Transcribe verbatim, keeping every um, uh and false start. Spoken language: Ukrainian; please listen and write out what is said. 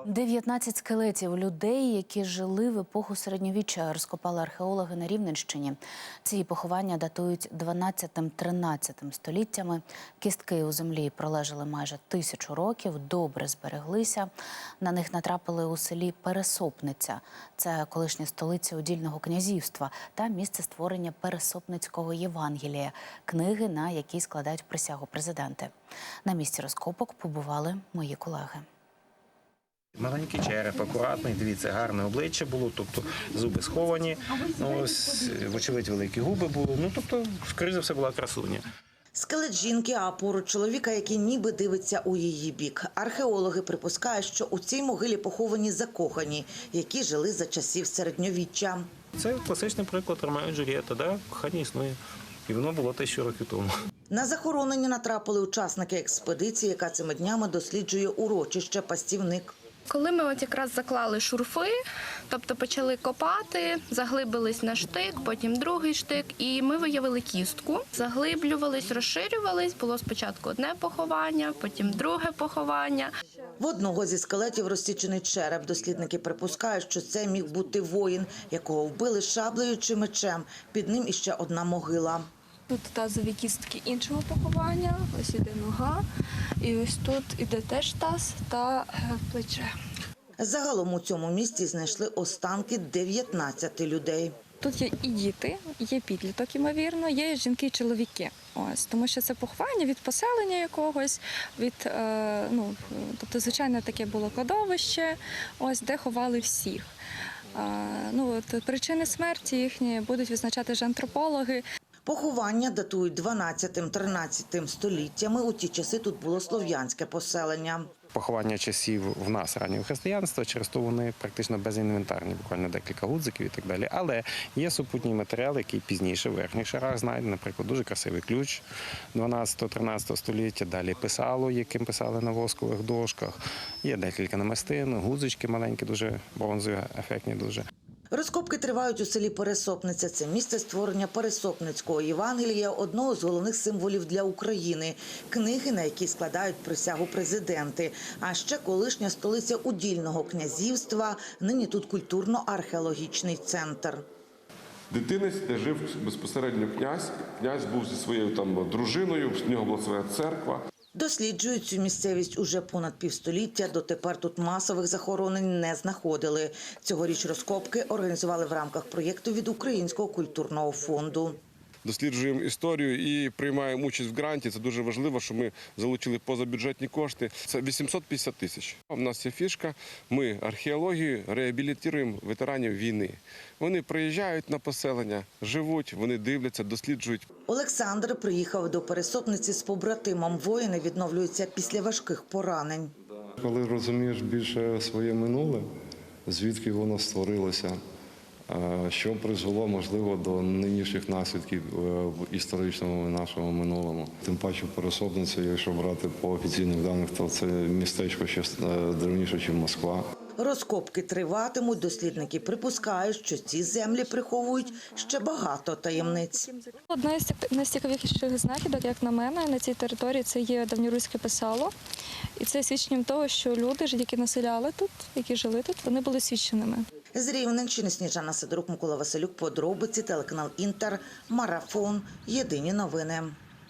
дев'ятнадцять скелетів людей, які жили в епоху середньовіччя, розкопали археологи на Рівненщині. Ці поховання датують дванадцятим-тринадцятим століттями. Кістки у землі пролежали майже тисячу років, добре збереглися. На них натрапили у селі Пересопниця. Це колишня столиця удільного князівства та місце створення Пересопницького Євангелія, книги, на якій складають присягу президенти. На місці розкопок побували мої колеги. Маленький череп, акуратний, дивіться, гарне обличчя було, тобто зуби сховані, ну, ось, вочевидь, великі губи були, ну, тобто, скоріше за все, була красуня. Скелет жінки, а поруч чоловіка, який ніби дивиться у її бік. Археологи припускають, що у цій могилі поховані закохані, які жили за часів середньовіччя. Це класичний приклад Ромео і Джульєтта, да? Кохання існує. І воно було тисячу років тому. На захоронення натрапили учасники експедиції, яка цими днями досліджує урочище «Пастівник». Коли ми от якраз заклали шурфи, тобто почали копати, заглибились на штик, потім другий штик, і ми виявили кістку. Заглиблювались, розширювались, було спочатку одне поховання, потім друге поховання. В одного зі скелетів розсічений череп. Дослідники припускають, що це міг бути воїн, якого вбили шаблею чи мечем. Під ним іще одна могила. Тут тазові кістки іншого поховання, ось іде нога, і ось тут іде теж таз та плече. Загалом у цьому місці знайшли останки дев'ятнадцяти людей. Тут є і діти, є підліток, ймовірно, є жінки і чоловіки. Ось, тому що це поховання від поселення якогось, від, е, ну, тобто, звичайно, таке було кладовище, ось, де ховали всіх. Е, ну, от, причини смерті їхні будуть визначати ж антропологи. Поховання датують дванадцятим-тринадцятим століттями. У ті часи тут було слов'янське поселення. Поховання часів в нас раннього християнства, через то вони практично безінвентарні, буквально декілька гудзиків і так далі. Але є супутній матеріал, який пізніше в верхніх шарах знайдений, наприклад, дуже красивий ключ дванадцятого-тринадцятого століття, далі писало, яким писали на воскових дошках, є декілька намистин, гудзички маленькі, дуже бронзові, ефектні дуже. Розкопки тривають у селі Пересопниця. Це місце створення Пересопницького Євангелія, одного з головних символів для України. Книги, на які складають присягу президенти. А ще колишня столиця удільного князівства. Нині тут культурно-археологічний центр. Дитинець, де жив безпосередньо князь. Князь був зі своєю там дружиною, в нього була своя церква. Досліджують цю місцевість уже понад півстоліття. Дотепер тут масових захоронень не знаходили. Цьогоріч розкопки організували в рамках проєкту від Українського культурного фонду. Досліджуємо історію і приймаємо участь в гранті. Це дуже важливо, що ми залучили позабюджетні кошти. Це вісімсот п'ятдесят тисяч. У нас є фішка. Ми археологію реабілітуємо ветеранів війни. Вони приїжджають на поселення, живуть, вони дивляться, досліджують. Олександр приїхав до Пересопниці з побратимом. Воїни відновлюються після важких поранень. Коли розумієш більше своє минуле, звідки воно створилося, що призвело, можливо, до нинішніх наслідків в історичному нашому минулому. Тим паче Пересопниця, якщо брати по офіційних даних, то це містечко ще давніше, ніж Москва. Розкопки триватимуть. Дослідники припускають, що ці землі приховують ще багато таємниць. Одна з найцікавіших знахідок, як на мене, на цій території це є давньоруське писало. І це свідченням того, що люди, які населяли тут, які жили тут, вони були свідченими. З Рівненщини Сніжана Сидорук, Микола Василюк, подробиці, телеканал Інтер, Марафон, Єдині новини.